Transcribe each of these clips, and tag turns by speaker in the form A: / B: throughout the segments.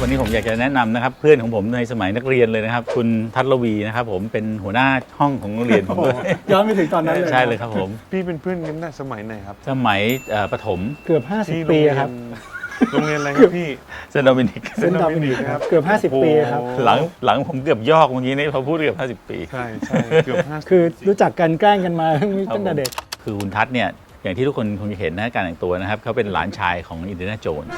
A: นี้ผมอยากจะแนะนำนะครับเพื่อนของผมในสมัยนักเรียนเลยนะครับคุณทัศรวีนะครับผมเป็นหัวหน้าห้องของโรงเรียนผมด้วย
B: ย้อนไปถึงตอนนั้นเลย
A: ใช่เลยครับผม
C: พี่เป็นเพื่อนกันตั้งแต่สมัยไหนครับ
A: สมัยประถม
B: เกือบ
C: ที่
B: 50 ปีครับ
C: โรงเรียนอะไรครับพี่
A: เซนต์โดมินิก
B: เซนต์ดอมินิกครับเกือบ50 ปีครับ
A: หลังผมเกือบยอกเมื่อกี้นี่พอพูดเกือบ50 ปี
C: ใช่ใช่เกือบ50
B: คือรู้จักกันแกล้งกันมาตั้งแต่เด็ก
A: คือคุณทัศน์เนี่ยอย่างที่ทุกคนคงจะเห็นนะการแต่งตัวนะครับเขาเป็นหลานชายของอินเดียนาโจนส์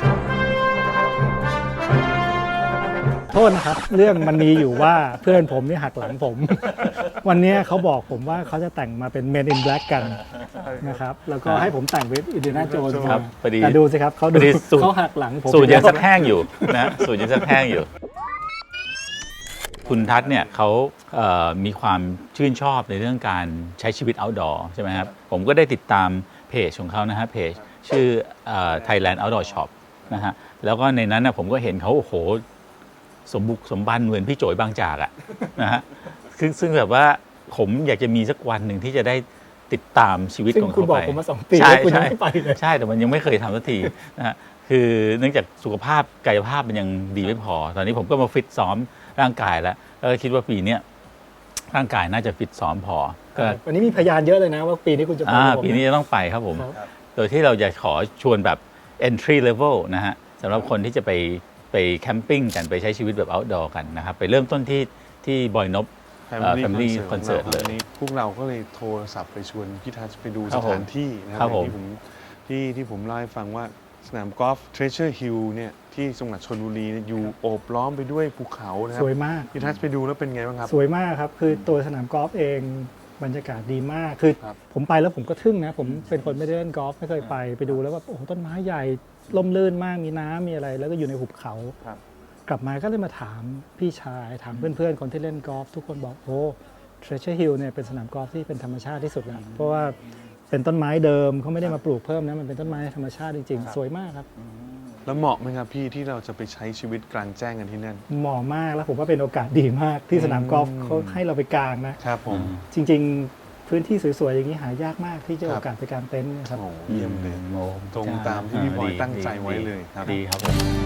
B: โทษนะครับ เรื่องมันมีอยู่ว่าเพื่อนผมนี่หักหลังผม วันนี้เขาบอกผมว่าเขาจะแต่งมาเป็น Men in Black กันนะครับแล้วก็ให้ผมแต่งเป็นอินเดียนาโจนส์
A: ครับพอดี
B: แต่ดูสิครับเขา
A: พอดีสูตร
B: เขาหักหลังผม
A: สูตรยังสักแห้งอยู่นะสูตรยังสักแห้งอยู่ คุณทัศน์เนี่ยเขามีความชื่นชอบในเรื่องการใช้ชีวิต outdoor ใช่ไหมครับผมก็ได้ติดตามเพจของเขานะฮะเพจชื่อThailand Outdoor Shop นะฮะแล้วก็ในนั้นนะผมก็เห็นเขาโอ้โหสมบุกสมบันเหมือนพี่โจยบางจากอะนะฮะซึ่งแบบว่าผมอยากจะมีสักวันหนึ่งที่จะได้ติดตามชีวิต
B: ซึ่ง
A: ของ
B: คุณ
A: เขา
B: บอก
A: ไป
B: ผมมา2 ปี
A: ใช่
B: แล้วคุณยัง
A: ใช่
B: ไม่ไปเลย
A: ใช่แต่มันยังไม่เคยทำสักทีนะฮะคือเนื่องจากสุขภาพกายภาพมันยังดีไม่พอ ตอนนี้ผมก็มาฟิตซ้อมร่างกายแล้วก็คิดว่าปีนี้ร่างกายน่าจะฟิตซ้อมพอก็
B: วันนี้มีพยานเยอะเลยนะว่าปีนี้คุณจะไปกับผม
A: ปีนี้จะต้องไปครับผม
B: ครับ
A: โดยที่เราจะขอชวนแบบ entry level นะฮะสำหรับคนที่จะไปแคมปิ้งกันไปใช้ชีวิตแบบ outdoor กันนะครับไปเริ่มต้นที่บอยนบ Family Concert เลย
C: วันนี้พวกเราก็เลยโทรศัพท์ไปชวนพี่ทัศน์ไปดู
A: ครั
C: ส
A: บผม
C: ถานที่นะค
A: ครั
C: รับบ
A: ผม
C: ที่ผมเล่าให้ฟังว่าสนามกอล์ฟ Treasure Hill เนี่ยที่จังหวัดชลบุรีเนี่ยอยู่โอบล้อมไปด้วยภูเขานะครั
B: สวยมาก
C: พี่ทัศน์ไปดูแล้วเป็นไงบ้างครับ
B: สวยมากครับ คือตัวสนามกอล์ฟเองบรรยากาศดีมาก คือ
C: ครับ
B: ผมไปแล้วผมก็ทึ่งนะ ผมเป็นคนไม่ได้เล่นกอล์ฟไม่เคยไปดูแล้วว่าโอ้โหต้นไม้ใหญ่ล่มลื่นมากมีน้ำมีอะไร แล้วก็อยู่ในหุบเขา
C: ครับ
B: กลับมาก็เลยมาถามพี่ชายถามเพื่อนๆคนที่เล่นกอล์ฟทุกคนบอกโอ้ Treasure Hill เนี่ยเป็นสนามกอล์ฟที่เป็นธรรมชาติที่สุดแล้วเพราะว่าเป็นต้นไม้เดิมเขาไม่ได้มาปลูกเพิ่มนะมันเป็นต้นไม้ธรรมชาติจริงๆ สวยมากครับ
C: แล้วเหมาะไหมครับพี่ที่เราจะไปใช้ชีวิตกลางแจ้งกันที่นั่น
B: เหมาะมากแล้วผมว่าเป็นโอกาสดีมากที่สนามกอล์ฟเขาให้เราไปกางนะ
C: ครับผม
B: จริงๆ พื้นที่สวยๆ อย่างนี้หายากมากที่จะ
C: ครับ
B: โอกาสไปกางเต็นท์นะครับ
C: โอ้โหเยี่ยมเลย ตรงตามที่พี่บอยตั้งใจไว้เลยครับ
A: ดีครับผม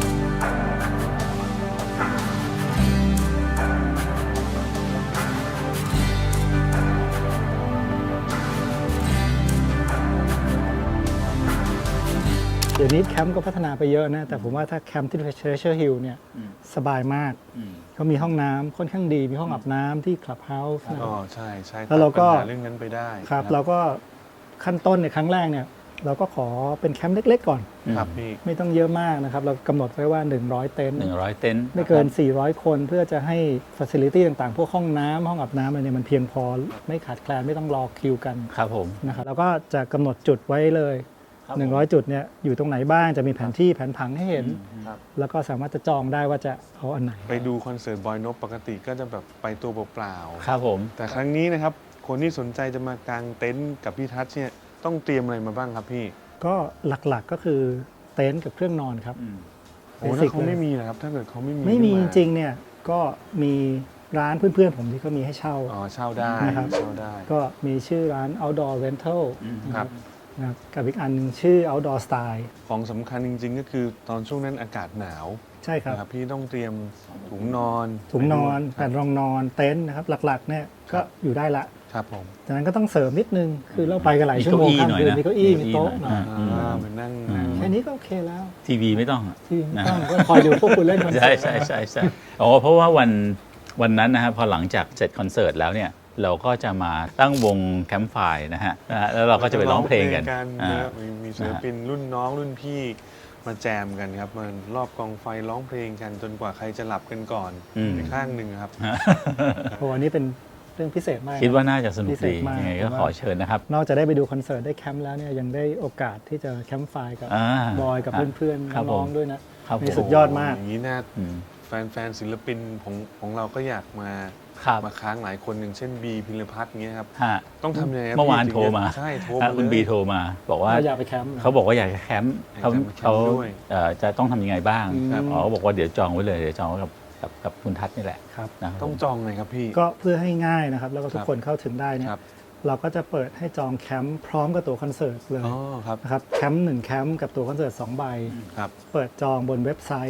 B: เดี๋ยวนี้แคมป์ก็พัฒนาไปเยอะนะ แต่ผมว่าถ้าแคมป์ที่ Treasure Hill เนี่ยสบายมาก เขามีห้องน้ำค่อนข้างดี มีห้องอาบน้ำที่คลับเฮาส์นะ
C: อ๋อใช่ใช่
B: แล้วเราก็
C: ตัดปัญหาเรื่องนั้นไปได้
B: ครับเราก็ขั้นต้นในครั้งแรกเนี่ยเราก็ขอเป็นแคมป์เล็กๆ ก่อน
C: ครับพี่
B: ไม่ต้องเยอะมากนะครับ เรากำหนดไว้ว่า 100 เต็นท์
A: 100 เต็นท์
B: ไม่เกิน 400 คนเพื่อจะให้ฟัซิลิตี้ต่างๆ พวกห้องน้ำห้องอาบน้ำอะไรเนี่ยมันเพียงพอไม่ขาดแคลนไม่ต้องรอคิวกัน
A: ครับผม
B: นะครับแล้วก็จะกำหนดจุดไว้เลย
A: ครับผม
B: 100 จุดเนี่ยอยู่ตรงไหนบ้างจะมีแผนที่แผนผังให้เห็น
C: ครับ
B: แล้วก็สามารถจะจองได้ว่าจะเอาอันไหน
C: ไปดูคอนเสิร์ตบอยนบปกติก็จะแบบไปตัวเปล่า
A: ครับผม
C: ๆแต่ครั้งนี้นะครับ คนที่สนใจจะมากางเต็นท์กับพี่ทัศน์เนี่ยต้องเตรียมอะไรมาบ้างครับพี่
B: ก็หลักๆก็คือเต็นท์กับเครื่องนอนครับ
C: โอ้ถ้าเขาไม่มีนะครับ ถ้าเกิดเขาไม่มี
B: ไม่มีจ
C: ขึ้น
B: ริงๆเนี่ยก็มีร้านเพื่อนๆผมที่เขามีให้เช่า
C: อ๋อเช่าได้
B: นะครับ
C: เช่าได้
B: ก็มีชื่อร้าน outdoor rental
C: ครับ
B: นะครับกับอีกอันหนึงชื่อ outdoor style
C: ของสำคัญจริง ๆ ก็คือตอนช่วงนั้นอากาศหนาว
B: ใช่ครับ
C: นะครับพี่ต้องเตรียมถุงนอน
B: ถุงนอน
C: ค
B: แผ่
C: รับ
B: นรองนอนเต็นท์นะครับหลักๆเนี่ยก็อยู่ได้ละ
C: ครับผม
B: จากนั้นก็ต้องเสริมนิดนึง คือเราไปกันหลายชั่วโมงข้ามคืนมีเก้าอี้มีโต๊ะหน่อย
C: มานั่ง
B: แค่นี้ก็โอเคแล้ว
A: ทีวีไม่ต้องอะ
B: ที่ไม่ต้องก็คอยดูพวกคุณเล่นคอนเสิ
A: ใช่
B: ร์ต
A: ใช่อ๋อเพราะว่าวันนั้นนะครับพอหลังจากเสร็จคอนเสิร์ตแล้วเนี่ยเราก็จะมาตั้งวงแคมป์ไฟร์นะฮะแล้วเราก็จะไปร้องเพลงกัน
C: นะครับมีศิลปินรุ่นน้องรุ่นพี่มาแจมกันครับมารอบกองไฟร้องเพลงกันจนกว่าใครจะหลับกันก่อน
A: อืม
C: ในข้างหนึ่งครับ
B: โอ้อันนี้เป็นเรื่องพิเศษมาก
A: คิดว่าน่าจะสนุก
B: พิเศ
A: ดี
B: ษมาก
A: ยังไงก็ขอเชิญนะครับ
B: นอกจากได้ไปดูคอนเสิร์ตได้แคมป์แล้วเนี่ยยังได้โอกาสที่จะแคมป์ไฟร์กับ
A: อ่า
B: บอยกับเพื่อน
A: ครับ
B: ๆ
A: ผม
B: น้องๆด้วยนะครับ
A: ผม
B: นี่สุดยอดมาก
C: อย่างนี้น่า
A: อืม
C: แฟนศิลปินของเราก็อยากมา
A: ครับ
C: มาค้างหลายคนอย่างเช่นบีพิรพัฒน์เงี้ยครับ
A: ฮะ
C: ต้องทำยังไงครับ
A: เมื่อวาน
C: พี่
A: โทรมา
C: ใช่โทร
A: ฮะ
C: มา
A: คุณ
C: เลย
A: บีโทรมาบอกว่า
B: เราอยากไปแคมป์นะ
A: เขาบอกว่าอยากจะแคมป์เขา
C: อยากจะมาแคมป์
A: เขา
C: ด้วย
A: จะต้องทำยังไงบ้าง
B: ครับ
A: อ๋อเขาบอกว่าเดี๋ยวจองไว้เลยเดี๋ยวจองไว้กับคุณทัศน์นี่แหละ
B: ครับ
A: นะครับ
C: ต้องจองเลยครับพี่
B: ก็เพื่อให้ง่ายนะครับ แล้วก็ทุกคนเข้าถึงได้เนี่ย
C: ครับ
B: เราก็จะเปิดให้จองแคมป์พร้อมกับตั๋วคอนเสิร์ตเลย
C: อ๋อครับ
B: นะครับแคมป์1แคมป์กับตั๋วคอนเสิร์ต2 ใบ
C: ครับ
B: เปิดจองบนเว็บไซต์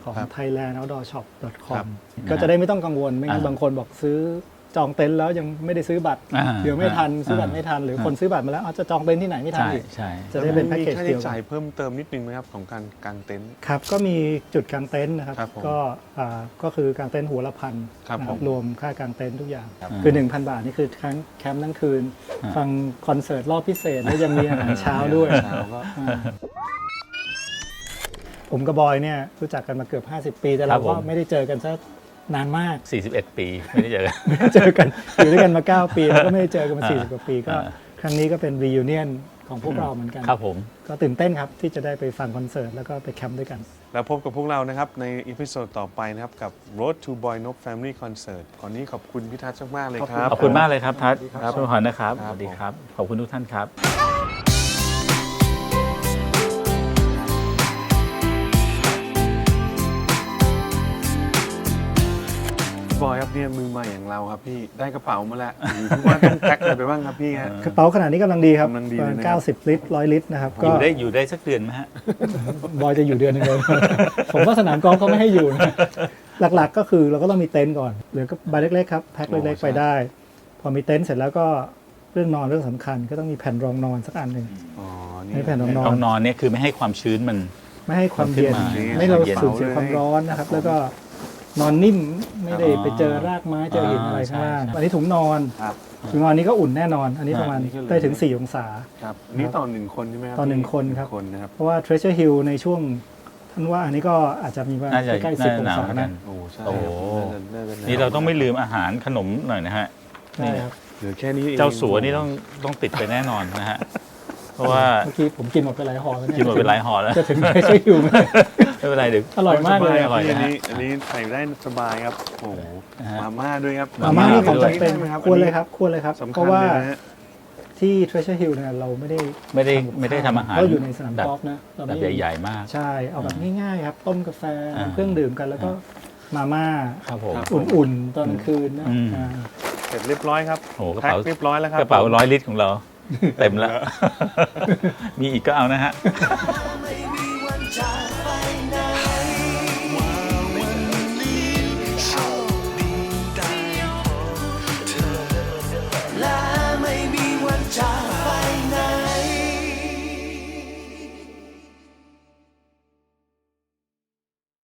B: ของ
C: ครับ
B: thailandoutdoorshop.com
C: ครับ
B: ก็จะได้ไม่ต้องกังวลไม่งั้นบางคนบอกซื้อจองเต็นท์แล้วยังไม่ได้ซื้อบัตร เดี๋ยวไม่ทันซื้อบัตรไม่ทัน หรือคนซื้อบัตรมาแล้วจะจองเต็นท์ที่ไหนไม่ทัน
A: ใช่
B: อีก
A: ใช่
B: จะได้เป็นแพ็กเกจ
C: มีค่า
B: เดี
C: ใช้
B: ยวกั
C: จ่าย
B: น
C: เพิ่มเติมนิดนึงไหมครับของการกางเต็นท์
B: ครับก็มีจุดกางเต็นท์นะครับ
C: ครับผม
B: ก็คือกางเต็นท์หัวละพัน
C: ครับ
B: นะ
C: ผม
B: รวมค่ากางเต็นท์ทุกอย่าง
C: ครับ
B: คือ 1,000 บาทนี่คือทั้งแคมป์ทั้งคืน ฟังคอนเสิร์ตรอบพิเศษแล้วยังมีอาหารเช้าด้วย
C: เช้าก็
B: ผมกับบอยเนี่ยรู้จักกันมาเกือบ 50 ปี แต่เราก็ไม่ได้เจอกันซะนานมาก
A: 41 ปีไม่ได้เจอ
B: ไม่ได้เจอกัน อยู่ด้วยกันมา 9 ปีแล้วก็ไม่ได้เจอกันมา 40 กว่าปีก็
A: อ่า
B: ครั้งนี้ก็เป็น reunion ของพวกเราเหมือนกัน
A: ครับผม
B: ก็ตื่นเต้นครับที่จะได้ไปฟังคอนเสิร์ตแล้วก็ไปแคมป์ด้วยกัน
C: แล้วพบกับพวกเรานะครับในอีพิโซดต่อไปนะครับกับ Road to Boy Nop Family Concert ก่อนนี้ขอบคุณพี่ทัศน์มากๆเลยครับ
A: ขอบคุณมากเลยครับทัศน์
C: ครับ
A: ช่วยขอนะครับ
C: ค
A: ส
C: รับ
A: วัสดีครับ ขอบคุณทุกท่านครับ
C: บอยครับเนี่ยมือใหม่อย่างเราครับพี่ได้กระเป๋ามาแล้วอยู่ที่ว่าต้องแพ็คอะไรไปบ้างครับพี่ฮะ
B: กระเป๋าขนาดนี้กำลังดีครับ
C: กำลังดี
B: ประ
C: เล
B: มาย ณ
C: นะครับ
B: 90 ลิตร 100 ลิตรนะครับ
A: อ
B: ก็
A: ยู่ได้สักเดือนไหมฮะ
B: บอยจะอยู่เดือนหนึงเลย ผมว่าสนามกอล์ฟเขาไม่ให้อยู่นะหลักๆก็คือเราก็ต้องมีเต็นท์ก่อนเหลือก็ใบเล็กๆครับแพ็คเล็กๆไปได้ พอมีเต็นท์เสร็จแล้วก็เรื่องนอนเรื่องสำคัญก็ต้องมีแผ่นรองนอนสักอันหนึ่ง
C: อ๋อ
B: ให้แผ่นรองนอ
A: ห้อน งนอนเนี่ยคือไม่ให้ความชื้นมัน
B: ไม่ให้ความเย็น
A: ขึ้นมา
B: ไม่ให้เรา
A: เย็น
B: สูญเสียความร้อนนะครับ แล้วก็นอนนิ่มไม่ได้ไปเจอรากไม้เจอหินอะไรข้างล่าง
A: ใช่
B: อันนี้ถุงนอน
C: ครับ
B: ถุงนอนนี้ก็อุ่นแน่นอน อันนี้ประมาณ
C: อันนี้ก็เลย
B: ได้ถึง 4 องศา
C: ครับนี่ต่อหนึ่งคนใช่ไหมครับ
B: ต่อหนึ่ง
C: พี่
B: คนครับ
C: คนนะครับ
B: เพราะว่า Treasure Hill ในช่วงท่านว่าอันนี้ก็อาจจะมีประมาณ
A: น่าจะ
B: ใกล้ๆ
A: น่า
B: 10
A: จะ
B: อง
A: หนาว
B: ศา
A: เหมือนกั
B: นะ
A: น
C: โอ้ใช่
A: โอ้
C: ครับน่าจะหว
A: นี่เราต้องไม่ลืมอาหารขนมหน่อยนะฮะ
B: ใช่ครับ
C: เหลือแค่นี้อง
A: เจ้าสัวนี่ต้องติดไปแน่นอนนะฮะ เพราะว่า
B: เมื่อกี้ผมกินหมดไปหลายห่อแล้วเนี่ย
A: กินหมดเป็นหลายห่อแล้ว
B: จะถึง Treasure Hill ไหม
A: ไม่เป็นไรเดี๋ยว
B: อร่อยมากเลย
A: อร่อย
C: อัน
A: นะฮะ
C: นี้อันนี้ใส่ได้สบายครับโอ้โห
A: นะฮะ
C: มาม่าด้วยครับ
B: มาม่านี่ของ
A: ด้วย
B: จำเป็น
C: ได้ไหมครับ
B: ควรเลยครับควรเลยครับ
C: สำ
B: เพ
C: คัญ
B: ราะว่า
C: เลยนะฮะ
B: ที่ Treasure Hill เนี่ยเราไม่ได้
A: ทำอาหาร
B: ก็อยู่ในสนาม
A: แบบ
B: กอล์ฟนะเรา
A: แบ
B: ไม่
A: บใหญ่ๆมาก
B: ใช่เอาแบบง่ายๆครับ ต้มกาแฟ
A: อ่า
B: เครื่องดื่มกันแล้วก็มาม่า
A: ครับผม
B: อุ่นๆ ตอนกลางคืนนะ
A: อืม
C: เสร็จเรียบร้อยครับ
A: โอ้โหกระ
C: แพ็ค
A: เป๋า
C: เรียบร้อยแล้วครับ
A: กระเป๋า100 ลิตรของเรา เต็มแล้ว มีอีกก็เอานะฮะ